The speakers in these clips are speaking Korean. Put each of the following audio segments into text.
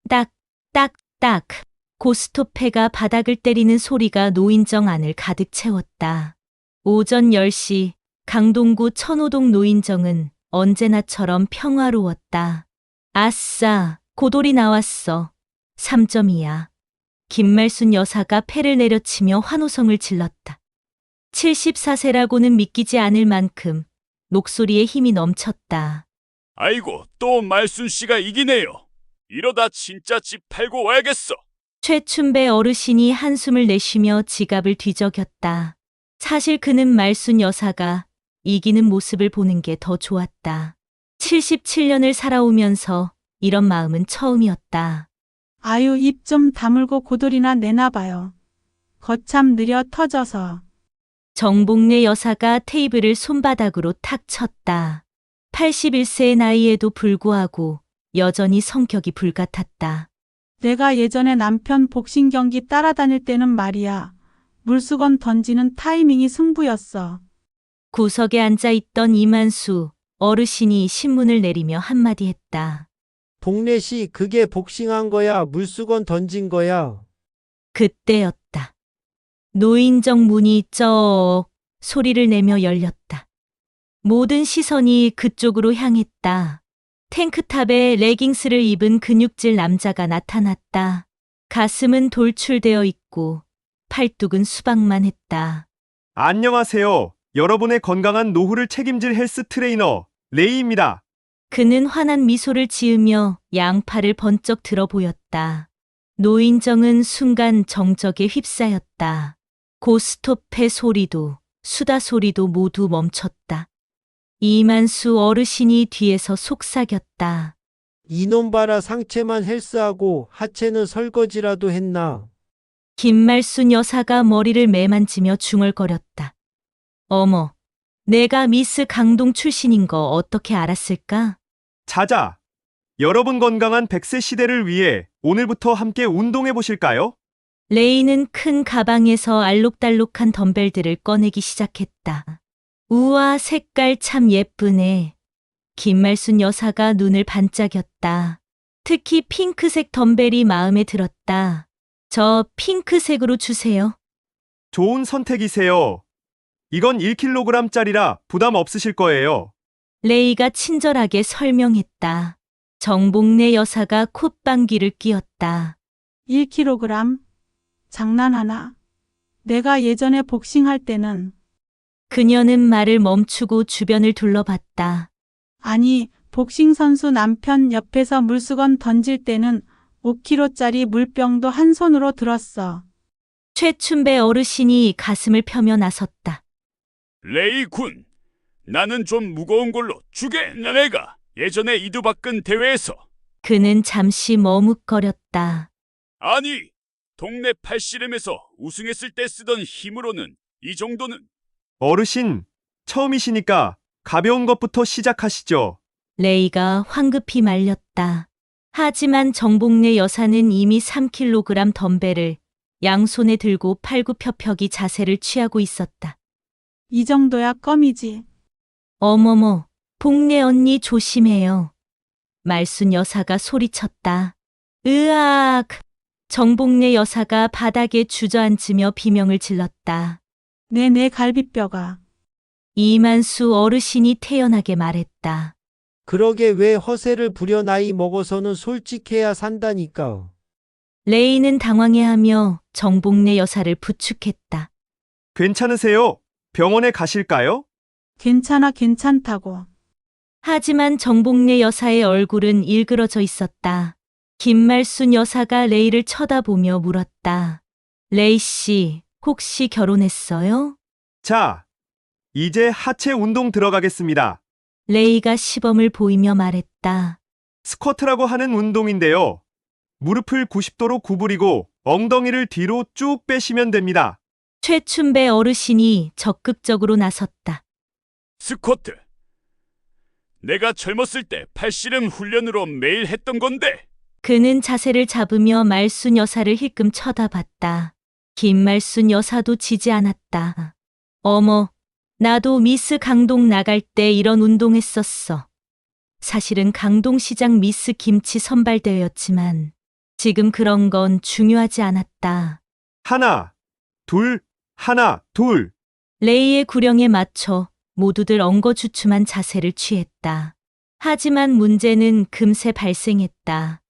딱, 딱, 딱. 고스톱패가 바닥을 때리는 소리가 노인정 안을 가득 채웠다. 오전 10시 강동구 천호동 노인정은 언제나처럼 평화로웠다. 아싸, 고돌이 나왔어. 3점이야. 김말순 여사가 패를 내려치며 환호성을 질렀다. 74세라고는 믿기지 않을 만큼 목소리에 힘이 넘쳤다. 아이고, 또 말순 씨가 이기네요. 이러다 진짜 집 팔고 와야겠어. 최춘배 어르신이 한숨을 내쉬며 지갑을 뒤적였다. 사실 그는 말순 여사가 이기는 모습을 보는 게 더 좋았다. 77년을 살아오면서 이런 마음은 처음이었다. 아유, 입 좀 다물고 고돌이나 내놔봐요. 거참 느려 터져서. 정복래 여사가 테이블을 손바닥으로 탁 쳤다. 81세의 나이에도 불구하고 여전히 성격이 불같았다. 내가 예전에 남편 복싱 경기 따라다닐 때는 말이야. 물수건 던지는 타이밍이 승부였어. 구석에 앉아있던 이만수 어르신이 신문을 내리며 한마디 했다. 동래씨, 그게 복싱한 거야? 물수건 던진 거야? 그때였다. 노인정 문이 쩍 소리를 내며 열렸다. 모든 시선이 그쪽으로 향했다. 탱크탑에 레깅스를 입은 근육질 남자가 나타났다. 가슴은 돌출되어 있고 팔뚝은 수박만 했다. 안녕하세요. 여러분의 건강한 노후를 책임질 헬스 트레이너 레이입니다. 그는 환한 미소를 지으며 양팔을 번쩍 들어 보였다. 노인정은 순간 정적에 휩싸였다. 고스톱의 소리도 수다 소리도 모두 멈췄다. 이만수 어르신이 뒤에서 속삭였다. 이놈 봐라, 상체만 헬스하고 하체는 설거지라도 했나? 김말순 여사가 머리를 매만지며 중얼거렸다. 어머, 내가 미스 강동 출신인 거 어떻게 알았을까? 자자. 여러분 건강한 100세 시대를 위해 오늘부터 함께 운동해 보실까요? 레이는 큰 가방에서 알록달록한 덤벨들을 꺼내기 시작했다. 우와, 색깔 참 예쁘네. 김말순 여사가 눈을 반짝였다. 특히 핑크색 덤벨이 마음에 들었다. 저 핑크색으로 주세요. 좋은 선택이세요. 이건 1kg짜리라 부담 없으실 거예요. 레이가 친절하게 설명했다. 정복래 여사가 콧방귀를 뀌었다. 1kg? 장난하나? 내가 예전에 복싱할 때는 그녀는 말을 멈추고 주변을 둘러봤다. 아니, 복싱 선수 남편 옆에서 물수건 던질 때는 5kg짜리 물병도 한 손으로 들었어. 최춘배 어르신이 가슴을 펴며 나섰다. 레이 군, 나는 좀 무거운 걸로 주게. 내가 예전에 이두박근 대회에서 그는 잠시 머뭇거렸다. 아니, 동네 팔씨름에서 우승했을 때 쓰던 힘으로는 이 정도는. 어르신, 처음이시니까 가벼운 것부터 시작하시죠. 레이가 황급히 말렸다. 하지만 정복래 여사는 이미 3kg 덤벨을 양손에 들고 팔굽혀펴기 자세를 취하고 있었다. 이 정도야 껌이지. 어머머, 복래 언니 조심해요. 말순 여사가 소리쳤다. 으악! 정복래 여사가 바닥에 주저앉으며 비명을 질렀다. 내 갈비뼈가. 이만수 어르신이 태연하게 말했다. 그러게 왜 허세를 부려? 나이 먹어서는 솔직해야 산다니까. 레이는 당황해하며 정복래 여사를 부축했다. 괜찮으세요? 병원에 가실까요? 괜찮다고. 하지만 정복래 여사의 얼굴은 일그러져 있었다. 김말순 여사가 레이를 쳐다보며 물었다. 레이 씨, 혹시 결혼했어요? 자, 이제 하체 운동 들어가겠습니다. 레이가 시범을 보이며 말했다. 스쿼트라고 하는 운동인데요. 무릎을 90도로 구부리고 엉덩이를 뒤로 쭉 빼시면 됩니다. 최춘배 어르신이 적극적으로 나섰다. 스쿼트. 내가 젊었을 때 팔씨름 훈련으로 매일 했던 건데. 그는 자세를 잡으며 말순 여사를 힐끔 쳐다봤다. 김말순 여사도 지지 않았다. 어머, 나도 미스 강동 나갈 때 이런 운동했었어. 사실은 강동시장 미스 김치 선발대회였지만 지금 그런 건 중요하지 않았다. 하나, 둘, 하나, 둘. 레이의 구령에 맞춰 모두들 엉거주춤한 자세를 취했다. 하지만 문제는 금세 발생했다.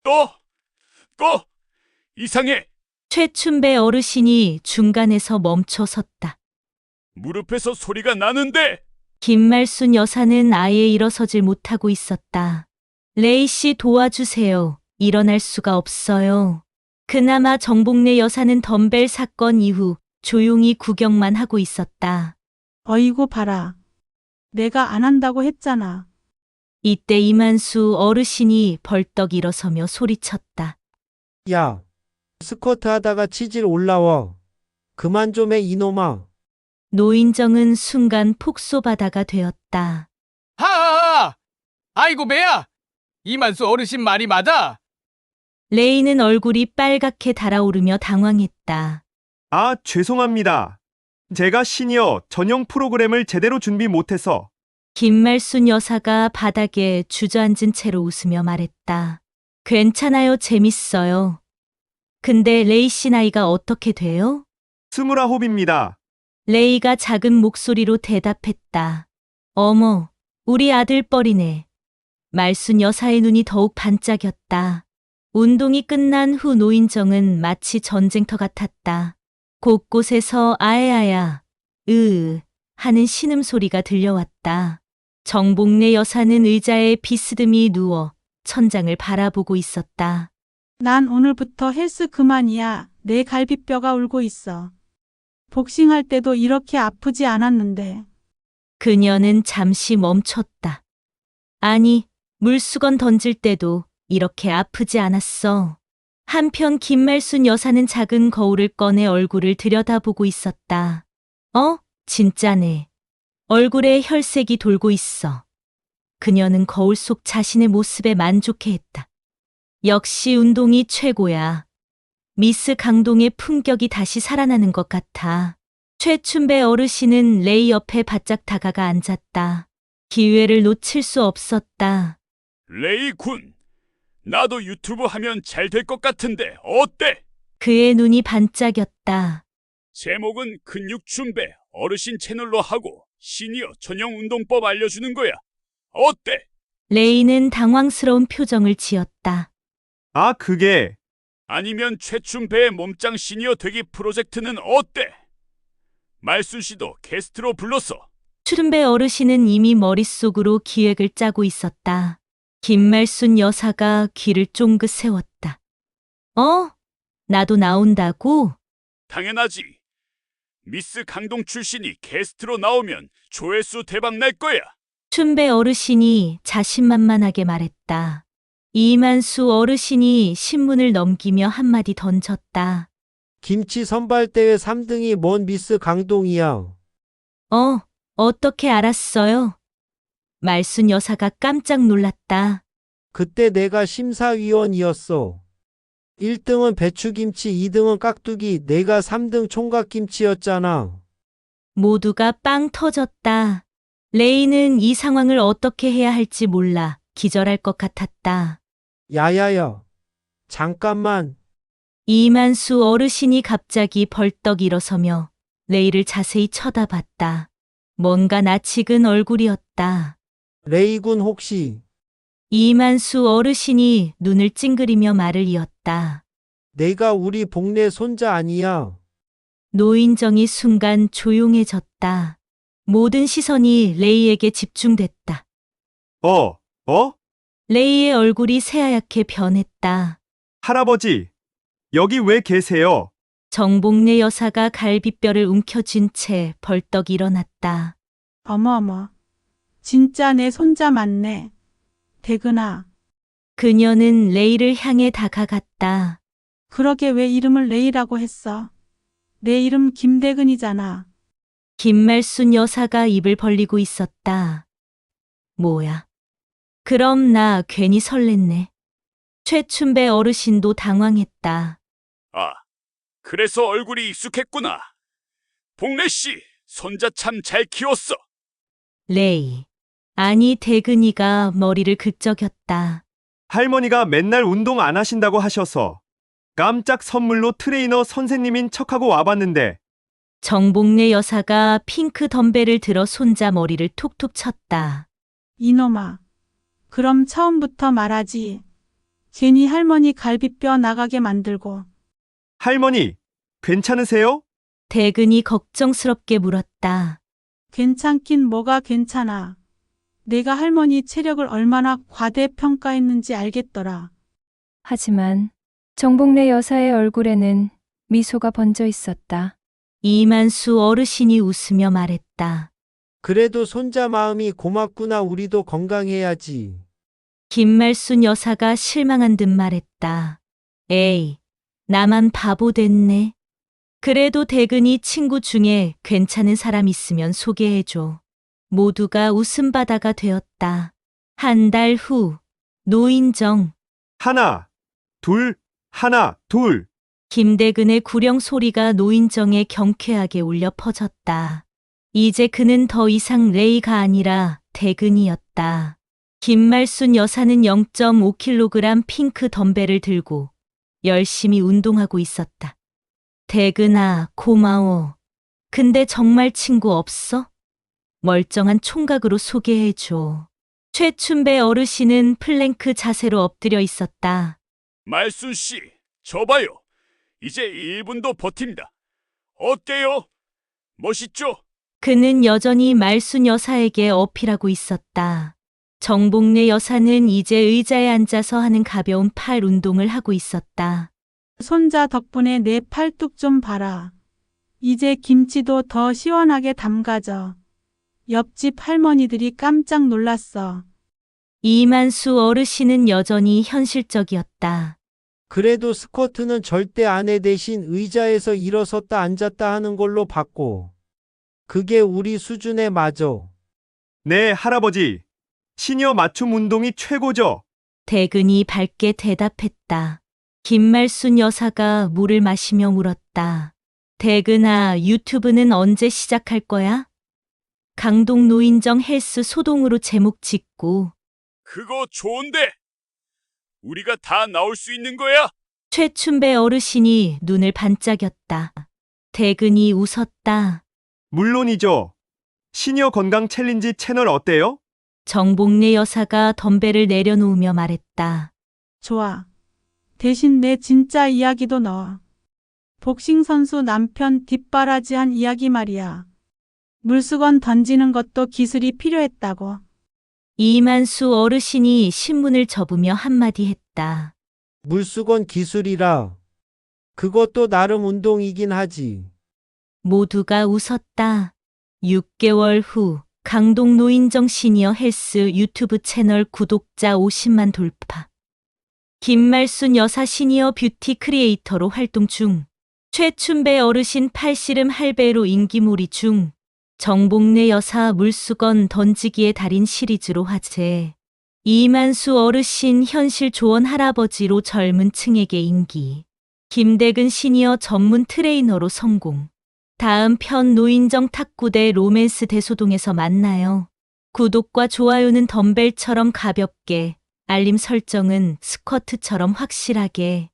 또 이상해. 최춘배 어르신이 중간에서 멈춰 섰다. 무릎에서 소리가 나는데. 김말순 여사는 아예 일어서질 못하고 있었다. 레이 씨 도와주세요. 일어날 수가 없어요. 그나마 정복래 여사는 덤벨 사건 이후 조용히 구경만 하고 있었다. 어이구 봐라. 내가 안 한다고 했잖아. 이때 이만수 어르신이 벌떡 일어서며 소리쳤다. 야, 스쿼트 하다가 치질 올라와. 그만 좀 해, 이놈아. 노인정은 순간 폭소바다가 되었다. 하하하! 아이고 배야! 이만수 어르신 말이 맞아? 레이는 얼굴이 빨갛게 달아오르며 당황했다. 아, 죄송합니다. 제가 시니어 전용 프로그램을 제대로 준비 못해서. 김말순 여사가 바닥에 주저앉은 채로 웃으며 말했다. 괜찮아요, 재밌어요. 근데 레이 씨 나이가 어떻게 돼요? 29입니다. 레이가 작은 목소리로 대답했다. 어머, 우리 아들 뻘이네. 말순 여사의 눈이 더욱 반짝였다. 운동이 끝난 후 노인정은 마치 전쟁터 같았다. 곳곳에서 아야야, 하는 신음소리가 들려왔다. 정복래 여사는 의자에 비스듬히 누워 천장을 바라보고 있었다. 난 오늘부터 헬스 그만이야. 내 갈비뼈가 울고 있어. 복싱할 때도 이렇게 아프지 않았는데. 그녀는 잠시 멈췄다. 아니, 물수건 던질 때도 이렇게 아프지 않았어. 한편 김말순 여사는 작은 거울을 꺼내 얼굴을 들여다보고 있었다. 진짜네. 얼굴에 혈색이 돌고 있어. 그녀는 거울 속 자신의 모습에 만족해했다. 역시 운동이 최고야. 미스 강동의 품격이 다시 살아나는 것 같아. 최춘배 어르신은 레이 옆에 바짝 다가가 앉았다. 기회를 놓칠 수 없었다. 레이 군, 나도 유튜브 하면 잘 될 것 같은데 어때? 그의 눈이 반짝였다. 제목은 근육춘배 어르신 채널로 하고 시니어 전용 운동법 알려주는 거야. 어때? 레이는 당황스러운 표정을 지었다. 아, 그게 아니면 최춘배의 몸짱 시니어 되기 프로젝트는 어때? 말순 씨도 게스트로 불렀어. 추른배 어르신은 이미 머릿속으로 기획을 짜고 있었다. 김말순 여사가 귀를 쫑긋 세웠다. 나도 나온다고? 당연하지. 미스 강동 출신이 게스트로 나오면 조회수 대박 날 거야. 춘배 어르신이 자신만만하게 말했다. 이만수 어르신이 신문을 넘기며 한마디 던졌다. 김치 선발대회 3등이 뭔 미스 강동이야. 어떻게 알았어요? 말순 여사가 깜짝 놀랐다. 그때 내가 심사위원이었어. 1등은 배추김치, 2등은 깍두기, 내가 3등 총각김치였잖아. 모두가 빵 터졌다. 레이는 이 상황을 어떻게 해야 할지 몰라 기절할 것 같았다. 야야야. 잠깐만. 이만수 어르신이 갑자기 벌떡 일어서며 레이를 자세히 쳐다봤다. 뭔가 낯익은 얼굴이었다. 레이군 혹시 이만수 어르신이 눈을 찡그리며 말을 이었다. 내가 우리 복내 손자 아니야. 노인정이 순간 조용해졌다. 모든 시선이 레이에게 집중됐다. 레이의 얼굴이 새하얗게 변했다. 할아버지, 여기 왜 계세요? 정복래 여사가 갈비뼈를 움켜쥔 채 벌떡 일어났다. 어머어머. 진짜 내 손자 맞네. 대근아. 그녀는 레이를 향해 다가갔다. 그러게 왜 이름을 레이라고 했어? 내 이름 김대근이잖아. 김말순 여사가 입을 벌리고 있었다. 뭐야? 그럼 나 괜히 설렜네. 최춘배 어르신도 당황했다. 아, 그래서 얼굴이 익숙했구나. 복래 씨, 손자 참 잘 키웠어. 레이. 아니 대근이가 머리를 긁적였다. 할머니가 맨날 운동 안 하신다고 하셔서 깜짝 선물로 트레이너 선생님인 척하고 와봤는데 정복래 여사가 핑크 덤벨을 들어 손자 머리를 툭툭 쳤다. 이놈아. 그럼 처음부터 말하지. 괜히 할머니 갈비뼈 나가게 만들고. 할머니, 괜찮으세요? 대근이 걱정스럽게 물었다. 괜찮긴 뭐가 괜찮아. 내가 할머니 체력을 얼마나 과대평가했는지 알겠더라. 하지만 정복래 여사의 얼굴에는 미소가 번져 있었다. 이만수 어르신이 웃으며 말했다. 그래도 손자 마음이 고맙구나. 우리도 건강해야지. 김말순 여사가 실망한 듯 말했다. 에이, 나만 바보 됐네. 그래도 대근이 친구 중에 괜찮은 사람 있으면 소개해줘. 모두가 웃음바다가 되었다. 한 달 후, 노인정. 하나, 둘, 하나, 둘. 김대근의 구령 소리가 노인정에 경쾌하게 울려 퍼졌다. 이제 그는 더 이상 레이가 아니라 대근이었다. 김말순 여사는 0.5kg 핑크 덤벨을 들고 열심히 운동하고 있었다. 대근아, 고마워. 근데 정말 친구 없어? 멀쩡한 총각으로 소개해줘. 최춘배 어르신은 플랭크 자세로 엎드려 있었다. 말순 씨, 저 봐요. 이제 1분도 버틴다. 어때요? 멋있죠? 그는 여전히 말순 여사에게 어필하고 있었다. 정복래 여사는 이제 의자에 앉아서 하는 가벼운 팔 운동을 하고 있었다. 손자 덕분에 내 팔뚝 좀 봐라. 이제 김치도 더 시원하게 담가져. 옆집 할머니들이 깜짝 놀랐어. 이만수 어르신은 여전히 현실적이었다. 그래도 스쿼트는 절대 아내 대신 의자에서 일어섰다 앉았다 하는 걸로 바꿔. 그게 우리 수준에 맞아. 네, 할아버지. 시니어 맞춤 운동이 최고죠. 대근이 밝게 대답했다. 김말순 여사가 물을 마시며 물었다. 대근아, 유튜브는 언제 시작할 거야? 강동 노인정 헬스 소동으로 제목 짓고. 그거 좋은데. 우리가 다 나올 수 있는 거야? 최춘배 어르신이 눈을 반짝였다. 대근이 웃었다. 물론이죠. 시니어 건강 챌린지 채널 어때요? 정복래 여사가 덤벨을 내려놓으며 말했다. 좋아. 대신 내 진짜 이야기도 넣어. 복싱 선수 남편 뒷바라지한 이야기 말이야. 물수건 던지는 것도 기술이 필요했다고. 이만수 어르신이 신문을 접으며 한마디 했다. 물수건 기술이라. 그것도 나름 운동이긴 하지. 모두가 웃었다. 6개월 후 강동 노인정 시니어 헬스 유튜브 채널 구독자 50만 돌파. 김말순 여사 시니어 뷰티 크리에이터로 활동 중. 최춘배 어르신 팔씨름 할배로 인기몰이 중. 정복래 여사 물수건 던지기의 달인 시리즈로 화제. 이만수 어르신 현실 조언 할아버지로 젊은 층에게 인기. 김대근 시니어 전문 트레이너로 성공. 다음 편 노인정 탁구대 로맨스 대소동에서 만나요. 구독과 좋아요는 덤벨처럼 가볍게, 알림 설정은 스쿼트처럼 확실하게.